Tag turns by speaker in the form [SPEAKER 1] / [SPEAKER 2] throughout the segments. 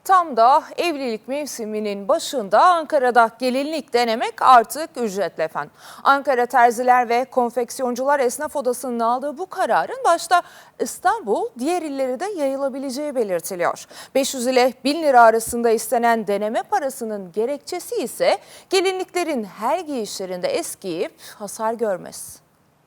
[SPEAKER 1] Tam da evlilik mevsiminin başında Ankara'da gelinlik denemek artık ücretli efendim. Ankara Terziler ve Konfeksiyoncular Esnaf Odası'nın aldığı bu kararın başta İstanbul, diğer illere de yayılabileceği belirtiliyor. 500 ile 1000 lira arasında istenen deneme parasının gerekçesi ise gelinliklerin her giyişlerinde eskiyip hasar görmesi.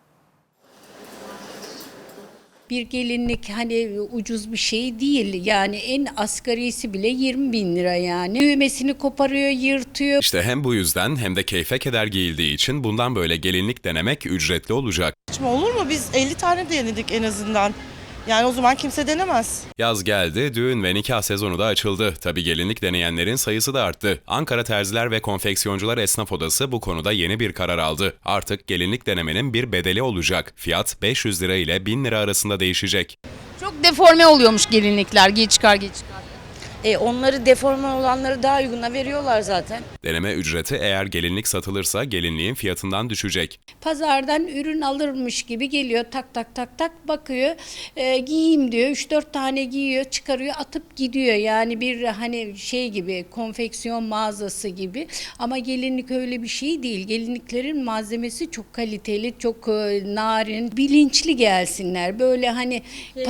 [SPEAKER 2] Bir gelinlik hani ucuz bir şey değil, yani en asgarisi bile 20.000 lira yani. Düğmesini koparıyor, yırtıyor.
[SPEAKER 3] İşte hem bu yüzden hem de keyfe keder giyildiği için bundan böyle gelinlik denemek ücretli olacak.
[SPEAKER 4] Saçma olur mu? Biz 50 tane denedik en azından. Yani o zaman kimse denemez.
[SPEAKER 3] Yaz geldi, düğün ve nikah sezonu da açıldı. Tabii gelinlik deneyenlerin sayısı da arttı. Ankara Terziler ve Konfeksiyoncular Esnaf Odası bu konuda yeni bir karar aldı. Artık gelinlik denemenin bir bedeli olacak. Fiyat 500 lira ile 1000 lira arasında değişecek.
[SPEAKER 5] Çok deforme oluyormuş gelinlikler. Giy çıkar giy çıkar.
[SPEAKER 6] Onları deforme olanları daha uyguna veriyorlar zaten.
[SPEAKER 3] Deneme ücreti eğer gelinlik satılırsa gelinliğin fiyatından düşecek.
[SPEAKER 2] Pazardan ürün alırmış gibi geliyor, tak tak tak tak bakıyor, giyeyim diyor, 3-4 tane giyiyor, çıkarıyor, atıp gidiyor. Yani bir hani şey gibi, konfeksiyon mağazası gibi, ama gelinlik öyle bir şey değil. Gelinliklerin malzemesi çok kaliteli, çok narin, bilinçli gelsinler. Böyle hani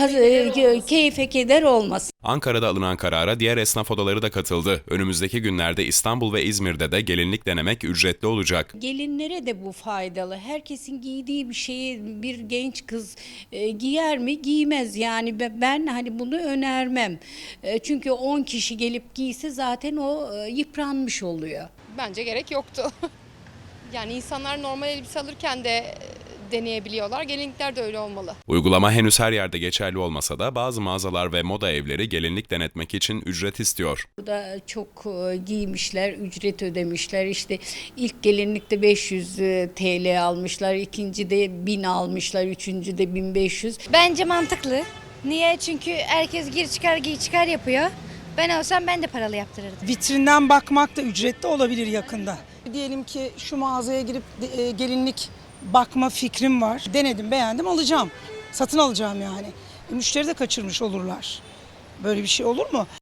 [SPEAKER 2] keyfe keder olmasın.
[SPEAKER 3] Ankara'da alınan karara diğer esnaf odaları da katıldı. Önümüzdeki günlerde İstanbul ve İzmir'de de gelinlik denemek ücretli olacak.
[SPEAKER 2] Gelinlere de bu faydalı. Herkesin giydiği bir şeyi bir genç kız giyer mi? Giymez. Yani ben hani bunu önermem. Çünkü 10 kişi gelip giyse zaten o yıpranmış oluyor.
[SPEAKER 7] Bence gerek yoktu. Yani insanlar normal elbise alırken de deneyebiliyorlar. Gelinlikler de öyle olmalı.
[SPEAKER 3] Uygulama henüz her yerde geçerli olmasa da bazı mağazalar ve moda evleri gelinlik denetmek için ücret istiyor.
[SPEAKER 2] Burada çok giymişler, ücret ödemişler. İşte ilk gelinlikte 500 TL almışlar, ikinci de 1000 almışlar, üçüncü de 1500.
[SPEAKER 8] Bence mantıklı. Niye? Çünkü herkes gir çıkar giy çıkar yapıyor. Ben olsam ben de paralı yaptırırdım.
[SPEAKER 4] Vitrinden bakmak da ücretli olabilir yakında. Diyelim ki şu mağazaya girip gelinlik bakma fikrim var. Denedim, beğendim, alacağım. Satın alacağım yani. Müşteri de kaçırmış olurlar. Böyle bir şey olur mu?